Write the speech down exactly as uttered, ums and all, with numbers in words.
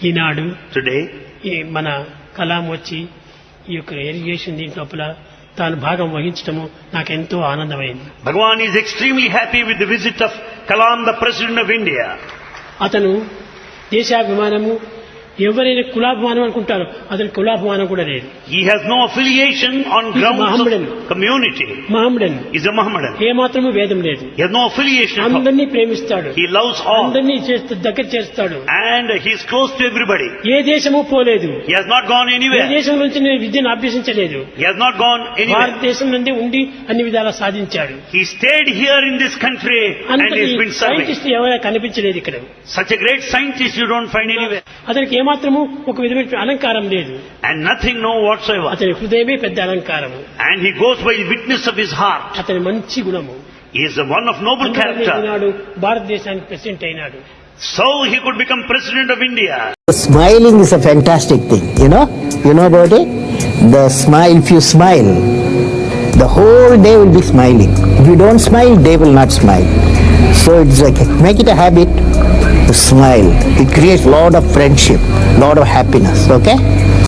ఈనాడు Today, ఈ మన కలాం వచ్చి ఈ యొక్క ఇరిగేషన్ దీంట్ లోపల తాను భాగం వహించడము నాకెంతో ఆనందమైంది. Bhagavan is extremely happy with the visit of Kalam, the President of India. అతను దేశాభిమానము ఎవరైనా కులాభిమానం అనుకుంటారు, అతని కులాభిమానం కూడా లేదు. He has no affiliation on He is grounds Mohammedan. of community. మహమ్మడన్ He is a Mohammedan. ఏమాత్రము భేదం లేదు. He has no affiliation. of- అందరినీ ప్రేమిస్తాడు, He loves all. అందరినీ చేస్త- దగ్గర చేస్తాడు. And he is close to everybody. ఏ దేశము పోలేదు, He has not gone A anywhere. దేశం నుంచి నేను విద్యను అభ్యసించలేదు. He has not gone anywhere. భారతదేశం నుండి ఉండి అన్ని విధాలా సాధించాడు. He stayed here in this country and అంతటి he has been serving. Scientist ఎవరైనా కనిపించలేదు ఇక్కడ. Such a great scientist you don't find anywhere. అతనికి ఏమాత్రము ఒక విధమైన అలంకారం లేదు. And nothing, no whatsoever. అతని హృదయమే పెద్ద అలంకారము. And he goes by the witness of his heart. అతని మంచి గుణము. He is a one of noble character. ఈనాడు భారతదేశానికి ప్రెసిడెంట్ అయినాడు. So he could become President of India. Smiling is a fantastic thing, you know? You know about it? The smile, if you smile, the whole day will be smiling. If you don't smile, they will not smile. So it's like, make it a habit to smile. It creates lot of friendship, lot of happiness, okay?